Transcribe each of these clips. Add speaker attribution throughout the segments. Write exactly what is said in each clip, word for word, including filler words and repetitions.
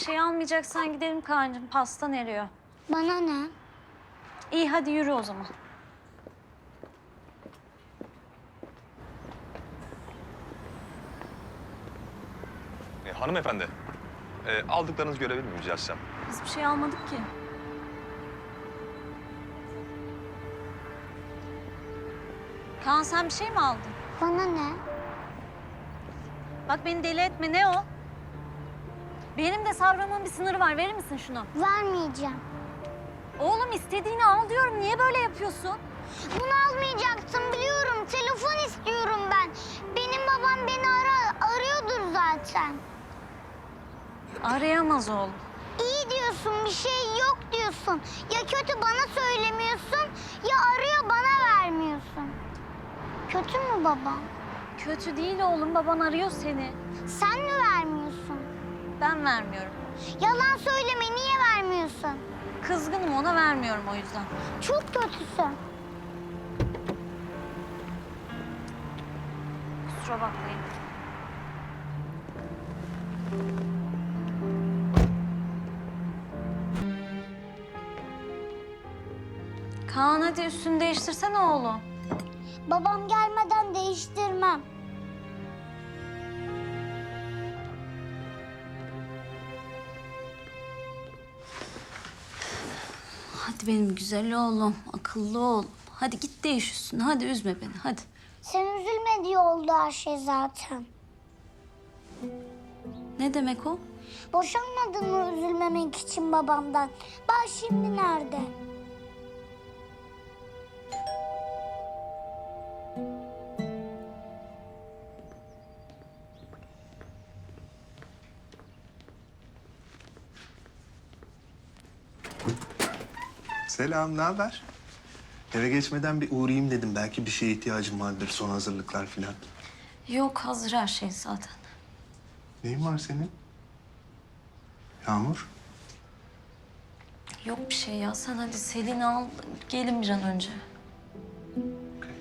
Speaker 1: şey almayacaksan gidelim Kaan'cığım. Pastan eriyor.
Speaker 2: Bana ne?
Speaker 1: İyi hadi yürü o zaman.
Speaker 3: E, hanımefendi, e, aldıklarınızı görebilir miyim rica etsem?
Speaker 1: Biz bir şey almadık ki. Kaan sen bir şey mi aldın?
Speaker 2: Bana ne?
Speaker 1: Bak beni deli etme, ne o? Benim de sabrımın bir sınırı var. Verir misin şunu?
Speaker 2: Vermeyeceğim.
Speaker 1: Oğlum istediğini al diyorum. Niye böyle yapıyorsun?
Speaker 2: Bunu almayacaksın biliyorum. Telefon istiyorum ben. Benim babam beni ara arıyordur zaten.
Speaker 1: Arayamaz oğlum.
Speaker 2: İyi diyorsun, bir şey yok diyorsun. Ya kötü bana söylemiyorsun, ya arıyor bana vermiyorsun. Kötü mü babam?
Speaker 1: Kötü değil oğlum. Baban arıyor seni.
Speaker 2: Sen mi vermiyorsun?
Speaker 1: Ben vermiyorum.
Speaker 2: Yalan söyleme, niye vermiyorsun?
Speaker 1: Kızgınım, ona vermiyorum o yüzden.
Speaker 2: Çok kötüsün.
Speaker 1: Kusura bakmayın. Kaan hadi üstünü değiştirsene oğlum.
Speaker 2: Babam gelmeden değiştirmem.
Speaker 1: Hadi benim güzel oğlum, akıllı oğlum. Hadi git değiş üstünü, hadi üzme beni, hadi.
Speaker 2: Sen üzülme diye oldu her şey zaten.
Speaker 1: Ne demek o?
Speaker 2: Boşanmadın mı üzülmemek için babamdan? Bak şimdi nerede?
Speaker 4: Selam, ne haber? Eve geçmeden bir uğrayayım dedim. Belki bir şeye ihtiyacım vardır, son hazırlıklar falan.
Speaker 1: Yok, hazır her şey zaten.
Speaker 4: Neyin var senin? Yağmur?
Speaker 1: Yok bir şey ya, sen hadi Selin'i al, gelin bir an önce.
Speaker 4: Okey.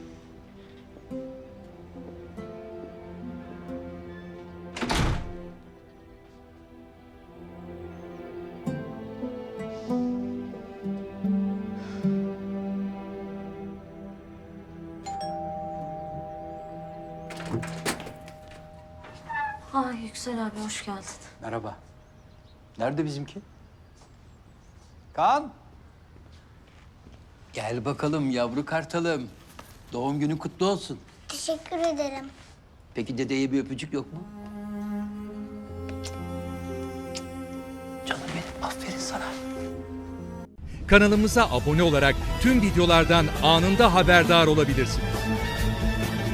Speaker 1: Ay Yüksel abi, hoş geldin.
Speaker 5: Merhaba. Nerede bizimki? Kaan. Gel bakalım yavru kartalım. Doğum günün kutlu olsun.
Speaker 2: Teşekkür ederim.
Speaker 5: Peki dedeye bir öpücük yok mu? Canım benim, aferin sana.
Speaker 6: Kanalımıza abone olarak tüm videolardan anında haberdar olabilirsiniz.